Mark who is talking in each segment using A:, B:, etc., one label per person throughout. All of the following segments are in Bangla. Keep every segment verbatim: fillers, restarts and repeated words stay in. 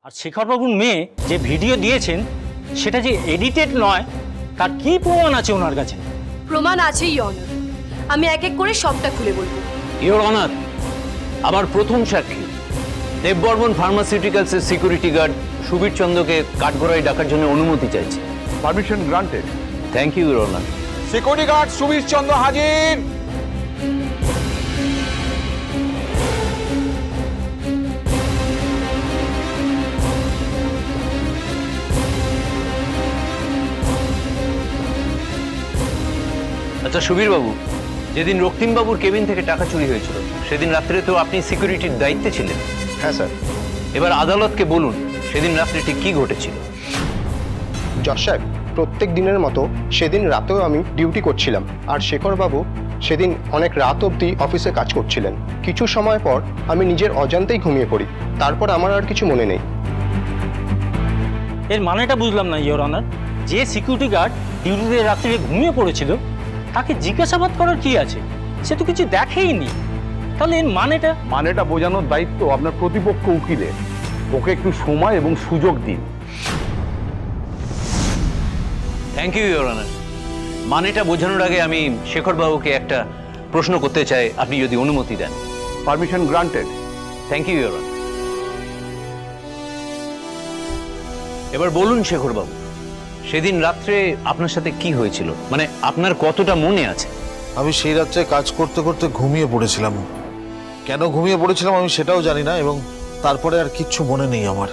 A: আর শেখরবাবুর মেয়ে যে ভিডিও দিয়েছেন সেটা যে এডিটেড নয় তার কি প্রমাণ আছে ওনার কাছে?
B: প্রমাণ আছে ইওর অনার, আমি এক এক করে সবটা খুলে বলবো।
C: ইওর অনার, আমার প্রথম সাক্ষী দেববর্মন ফার্মাসিউটিক্যালসের সিকিউরিটি গার্ড সুবীর চন্দ্রকে কাঠগড়ায় ডাকার জন্য অনুমতি চাইছে।
D: Permission granted.
C: Thank you your honour.
D: Security guard Subir Chandra হাজির।
C: আচ্ছা সুবীর বাবু, যেদিন রক্তিমবাবুর কেবিন থেকে টাকা চুরি হয়েছিল সেদিন রাত্রে তো আপনি সিকিউরিটির দায়িত্বে ছিলেন।
E: হ্যাঁ স্যার।
C: এবার আদালতকে বলুন সেদিন রাত্রে ঠিক কি ঘটেছিল।
E: জজ সাহেব, প্রত্যেক দিনের মতো সেদিন রাতেও আমি ডিউটি করছিলাম, আর শেখরবাবু সেদিন অনেক রাত অবধি অফিসে কাজ করছিলেন। কিছু সময় পর আমি নিজের অজান্তেই ঘুমিয়ে পড়ি, তারপর আমার আর কিছু মনে নেই।
A: এর মানেটা বুঝলাম না ইওর অনার। যে সিকিউরিটি গার্ড ডিউটিতে রাত্রে ঘুমিয়ে পড়েছিল তাকে জিজ্ঞাসাবাদ করার কি আছে? সে তো কিছু দেখেইনি। তাহলে এর মানেটা?
D: মানেটা বোঝানোর দায়িত্ব আপনার প্রতিপক্ষ উকিলের। ওকে একটু সময় এবং সুযোগ দিন।
C: Thank you your honour. মানেটা বোঝানোর আগে আমি শেখরবাবুকে একটা প্রশ্ন করতে চাই, আপনি যদি অনুমতি দেন।
D: Permission granted.
C: Thank you your honour. এবার বলুন শেখরবাবু, সেদিন রাত্রে আপনার সাথে কি হয়েছিল, মানে আপনার কতটা মনে আছে?
F: আমি সেই রাত্রে কাজ করতে করতে ঘুমিয়ে পড়েছিলাম। কেন ঘুমিয়ে পড়েছিলাম আমি সেটাও জানি না, এবং তারপরে আর কিচ্ছু মনে নেই আমার।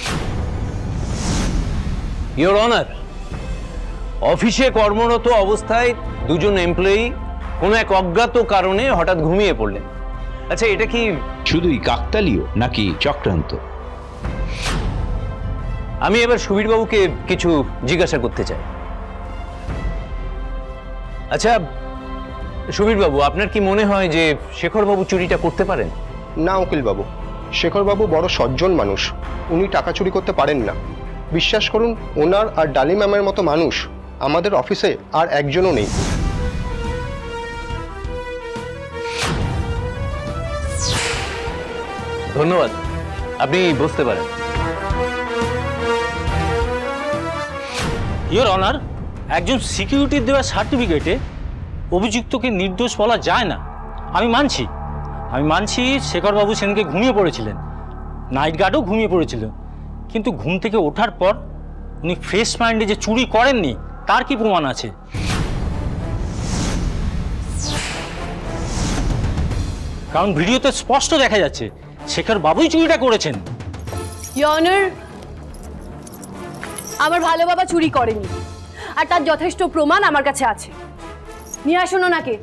C: ইওর অনার, অফিসে কর্মরত অবস্থায় দুজন এমপ্লয়ি কোনো এক অজ্ঞাত কারণে হঠাৎ ঘুমিয়ে পড়লেন। আচ্ছা, এটা কি
G: শুধুই কাকতালীয় নাকি চক্রান্ত?
C: আমি এবার সুবীরবাবুকে কিছু জিজ্ঞাসা করতে চাই। আচ্ছা সুবীরবাবু, আপনার কি মনে হয় যে শেখরবাবু চুরিটা করতে পারেন?
E: না উকিলবাবু, শেখরবাবু বড় সজ্জন মানুষ, উনি টাকা চুরি করতে পারেন না। বিশ্বাস করুন, ওনার আর ডালি ম্যামের মতো মানুষ আমাদের অফিসে আর একজনও নেই।
C: ধন্যবাদ, আপনি বুঝতে পারেন।
A: ইওর অনার, একজন সিকিউরিটির দেওয়া সার্টিফিকেটে অভিযুক্তকে নির্দোষ বলা যায় না। আমি মানছি আমি মানছি শেখরবাবু সেদিনকে ঘুমিয়ে পড়েছিলেন, নাইট গার্ডও ঘুমিয়ে পড়েছিল, কিন্তু ঘুম থেকে ওঠার পর উনি ফ্রেশ মাইন্ডে যে চুরি করেননি তার কি প্রমাণ আছে? কারণ ভিডিওতে স্পষ্ট দেখা যাচ্ছে শেখরবাবুই চুরিটা করেছেন।
B: ইওর অনার, আমার ভালো বাবা চুরি করেনি, আর তার যথেষ্ট প্রমাণ আমার কাছে আছে। নিয়ে আসুন ওনাকে।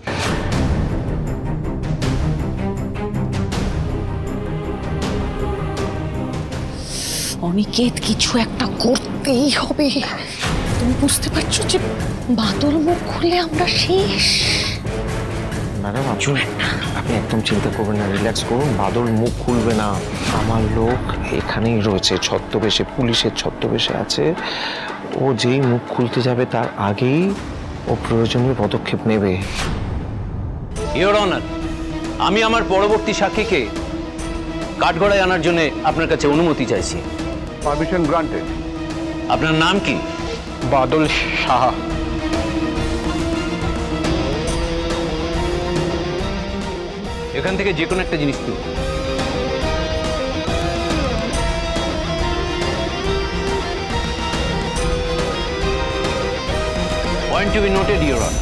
H: অনিকেত, কিছু একটা করতেই হবে। তুমি বুঝতে পারছো যে বাদল মুখ খুলে আমরা শেষ।
I: ম্যাডাম আপনি আপনি একদম চিন্তা করবেন না, রিল্যাক্স করুন। বাদল মুখ খুলবে না, আমার লোক এখানেই রয়েছে, ছদ্মবেশে, পুলিশের ছদ্মবেশে আছে। ও যেই মুখ খুলতে যাবে তার আগেই ও প্রয়োজনীয় পদক্ষেপ নেবে।
C: ইওর অনার, আমি আমার পরবর্তী সাক্ষীকে কাঠগড়ায় আনার জন্য আপনার কাছে অনুমতি চাইছি।
D: Permission granted.
C: আপনার নাম কি?
E: বাদল সাহা।
C: এখান থেকে যে কোনো একটা জিনিস তুলুন। Point to be noted your honour.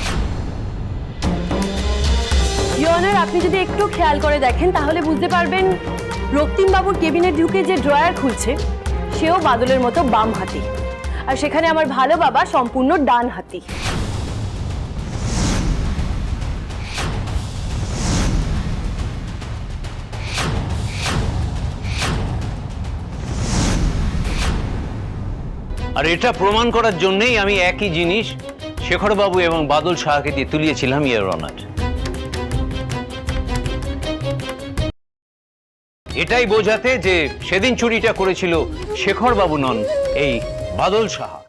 B: Your honour, আপনি যদি একটু খেয়াল করে দেখেন তাহলে বুঝতে পারবেন রক্তিম বাবুর কেবিনে ঢুকে যে ড্রয়ার খুলছে সেও বাদলের মতো বাম হাতি, আর সেখানে আমার ভালো বাবা সম্পূর্ণ ডান হাতি।
C: আর এটা প্রমাণ করার জন্যই আমি একই জিনিস শেখরবাবু এবং বাদল সাহাকে দিয়ে তুলিয়েছিলাম ইওর অনার। এটাই বোঝাতে যে সেদিন চুরিটা করেছিল শেখরবাবু নন, এই বাদল সাহা।